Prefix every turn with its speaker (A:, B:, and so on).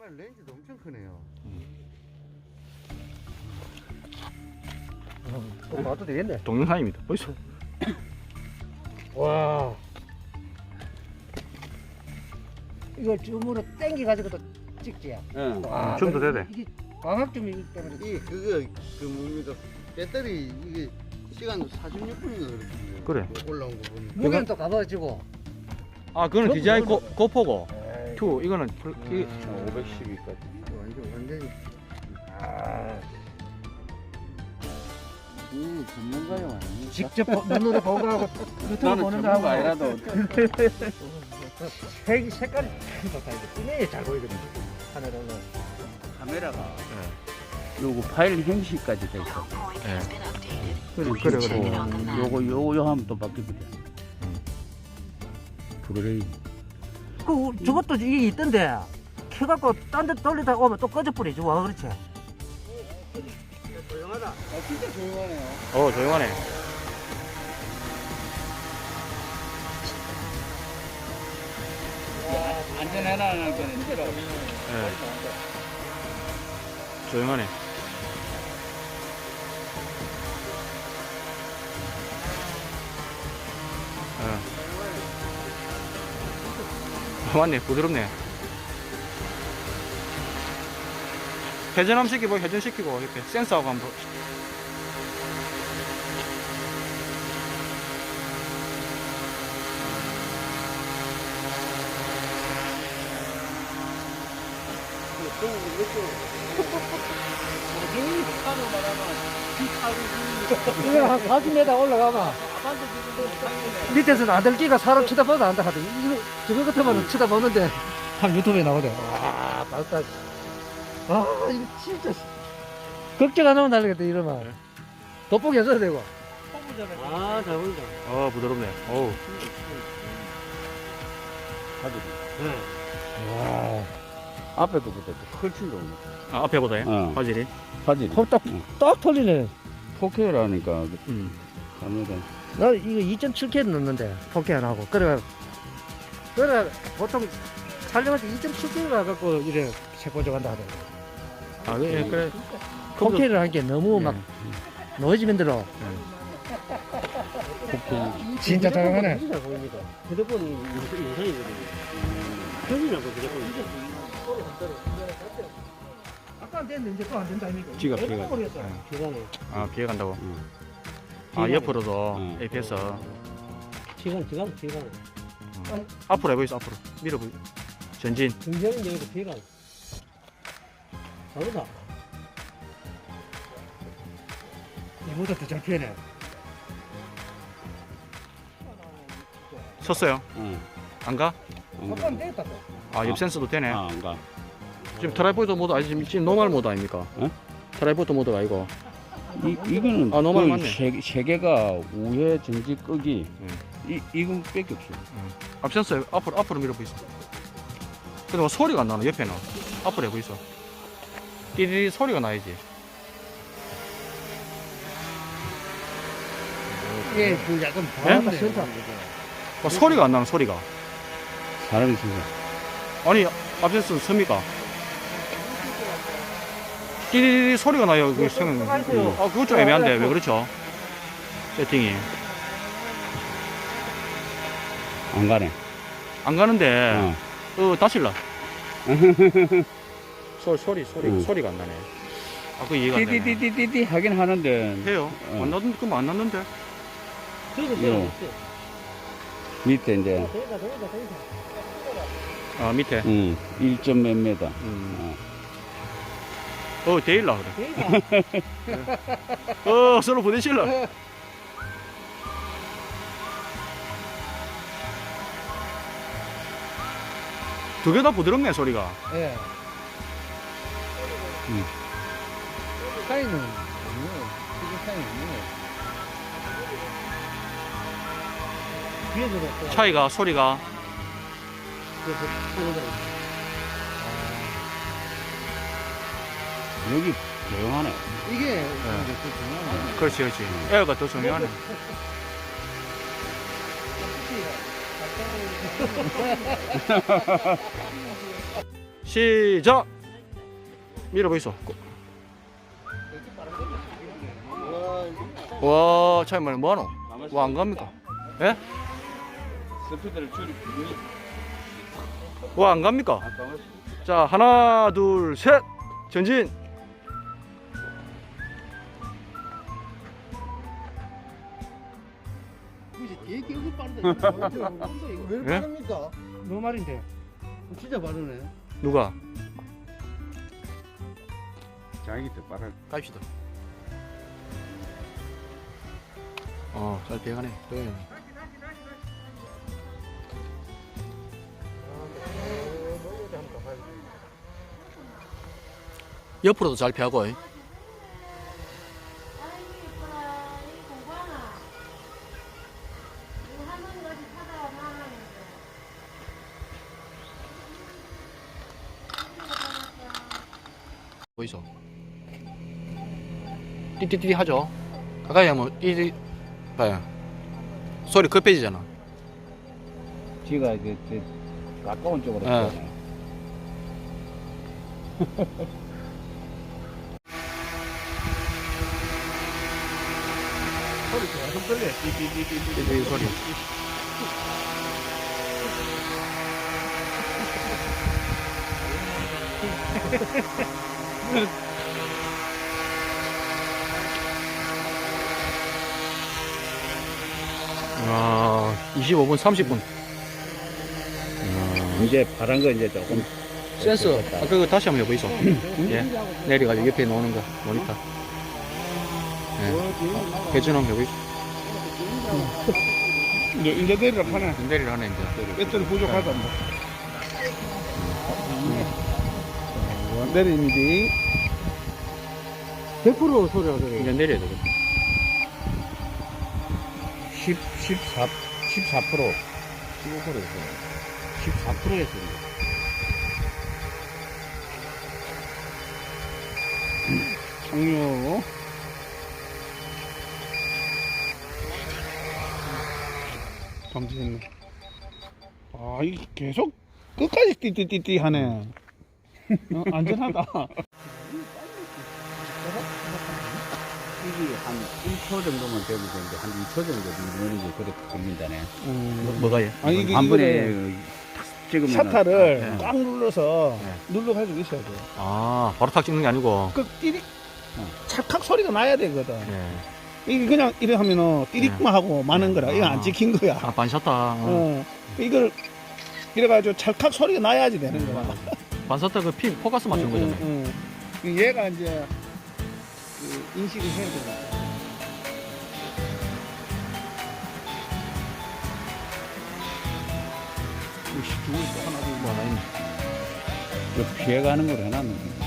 A: 파일 렌즈도 엄청 크네요.
B: 또 봐도 되겠네.
C: 동영상입니다. 보이소?
B: 와. 이거 줌으로 당겨가지고 또 찍지.
A: 응.
B: 와,
C: 줌도 되네.
B: 이게 광학점이기 때문에.
A: 이 그거 그 뭡니까 배터리 이게 시간도 46분인가 그렇거든요.
C: 그래.
A: 올라온 거 보니까.
B: 무게는 또 가봐지고.
C: 아, 그거는 DJI
B: 그럼
C: 고포고.
B: 에이,
C: 2 이거는
A: 512까지.
B: 완전히. 아,
A: 전문가요 아니에요?
B: 직접 눈으로 보고 하고 유튜브
A: 나는
B: 보는
A: 전문가
B: 거하고
A: 아니라도
B: 색깔이 좋다. 이게 분명히 잘 보이거든. 하늘은.
A: 카메라가 요거 파일 행시까지 돼 있어.
C: 예.
A: 그래. 요거 하면 또 바뀌거든. 브루레이.
B: 저것도 이게 있던데. 켜갖고 딴 데 돌리다 오면 또 꺼져버리지. 와, 그렇지. 조용하다.
A: 진짜 조용하네요.
C: 조용하네.
A: 안전해라는 건 힘들어.
C: 예. 조용하네. 맞네, 부드럽네. 회전 한번 시키고, 회전시키고, 이렇게 센서하고 한번.
B: 이거 한 40m 올라가봐. 밑에서는 아들끼가 사람 쳐다봐도 안다 하더니 이거 저거 같으면 쳐다보는데 한 유튜브에 나오대. 와, 맞다. 아, 이거 진짜 걱정 안 하면 날리겠다 이러면. 돋보기 해줘야 되고. 아, 잘 보인다.
C: 부드럽네. 어우.
B: 와,
A: 앞에 거보다 훨씬 좋은 거.
C: 아, 앞에보다요?
A: 어.
C: 화질이?
A: 화질이.
B: 딱 털리네.
A: 4K라니까 카메라.
B: 나 이거 2.7K 넣는데 4K 안 하고. 그래 보통 촬영할 때 2.7K 가갖고 이래 색보 저간다 하더라고.
C: 아, 예, 그래.
B: 4K를 하니까 너무 막 노이즈 만들어. 진짜 조용하네.
D: 휴대폰이 영상이거든요. 현이라고 휴대폰이.
B: 아까 안 됐는데 이제 또 안 된다 이거.
A: 지가
B: 왜
A: 피해가.
B: 버렸어?
D: 시간에.
C: 아, 비에 간다고?
A: 응.
C: 아, 옆으로도
A: 응.
C: APS.
D: 시간.
C: 앞으로 해보이소, 앞으로. 밀어 보이. 전진.
D: 등장은 여기서 피해가. 다르다.
B: 이보다 더 잘 피하네.
C: 섰어요.
A: 응.
C: 안 가?
B: 아까 안 되겠다 또.
C: 아, 옆 센서도 되네.
A: 안 가.
C: 지금 트라이포드 모드 아니 지금 노멀 모드 아닙니까?
A: 어?
C: 트라이포드 모드가 아니고.
A: 이거는
C: 아, 노멀
A: 그
C: 맞네.
A: 세 개가 우회 전지 끄기. 이건 뺄게 없어.
C: 앞 센서 앞으로 밀어 보이소. 근데 뭐 소리가 안 나노 옆에는. 앞으로 해보이소. 띠리리 소리가 나야지.
B: 이게 그 약간
C: 네?
B: 바람다 센터.
C: 뭐 소리가 안 나는 소리가.
A: 사람이 진짜.
C: 아니 앞 센서 섭니까? 띠리리 소리가 나요. 그 생각. 아, 그거 좀 애매한데 왜 그렇죠? 세팅이
A: 안 가네.
C: 안 가는데. 다실라. 소리가 안 나네. 아, 그 이해가 안 되네.
A: 띠띠띠띠띠 하긴 하는데
C: 해요. 안 났는데 그럼 안 났는데.
A: 요. 밑에 이제
C: 아, 밑에.
A: 1점 몇 메다.
C: 데일라 그래. 서로 보내실라. 두 개 다 부드럽네 소리가.
B: 예. 차이는 없네요. 이게 차이는 없네요. 뒤에서도 또
C: 차이가 소리가.
B: 그래서 소리가
A: 여기 조용하네.
B: 이게 또 중요한
C: 그렇지. 에어가 더 중요하네. 시작. 밀어보이소.
A: 와,
C: 와, 차이말 뭐하노? 와, 안 갑니까? 예?
E: 스피드를 줄이고
C: 와, 안 갑니까?
E: 아까
C: 자, 하나, 둘, 셋! 전진!
A: 되게 여기 빠르다. 왜 이렇게
C: 예?
A: 빠릅니까?
B: 너 말인데.
A: 진짜 빠르네.
C: 누가?
E: 자기 때 빠른
C: 갑시다. 잘 배가네. 옆으로도 잘 피하고.
F: 아이고 이쁘라 이 공부하나 이거 할머니 같이 타다가 망하는데
C: 보이소. 띠띠띠 하죠. 가까이 하면 띠띠 봐요. 소리 급해지잖아.
E: 지가 이제 가까운 쪽으로
C: 예.
E: 가잖아요.
C: 띠띠 소리. 아, 25분 30분.
E: 이제 파란 거 이제 조금
C: 센서. 아까 그거 다시 한번 해보이소. 예. 내려가지고 옆에 놓는 거 모니터. 예. 회전 한번 해보이소.
E: 이제 내리를 하나
C: 내리를 하네 이제.
E: 배터리 부족하다 뭐. 내리는데
B: 100% 소리가 그래.
C: 이제 내려야 되겠다.
E: 14% 15%였어. 14%였어.
B: 장료.
G: 잠시만요. 아, 이 계속 끝까지 띠띠띠띠 하네. 안전하다.
E: 이게 한 1초 정도만 되면 되는데 한 2초 정도 누르는 게 그렇게 걸린다네.
C: 뭐가요?
G: 아니, 이게
E: 한 번에
G: 이거를
E: 찍으면
G: 샤타를
C: 네.
G: 꽉 눌러서
C: 네.
G: 눌러가지고 있어야 돼.
C: 아, 바로 탁 찍는 게 아니고.
G: 그 띠릭, 찰칵 소리가 나야 되거든.
C: 예.
G: 이게 그냥 이래 하면은 띠릭만 하고 마는 거라. 이거 안 찍힌 거야.
C: 아, 반샷다.
G: 이걸 이래가지고 찰칵 소리가 나야지 되는 거야.
C: 반샷다 그 포커스 맞춘 거잖아요.
G: 얘가 이제 그 인식을 해야 되니까.
C: 뭐 하나 있네.
E: 피해가는 걸 해놨는데.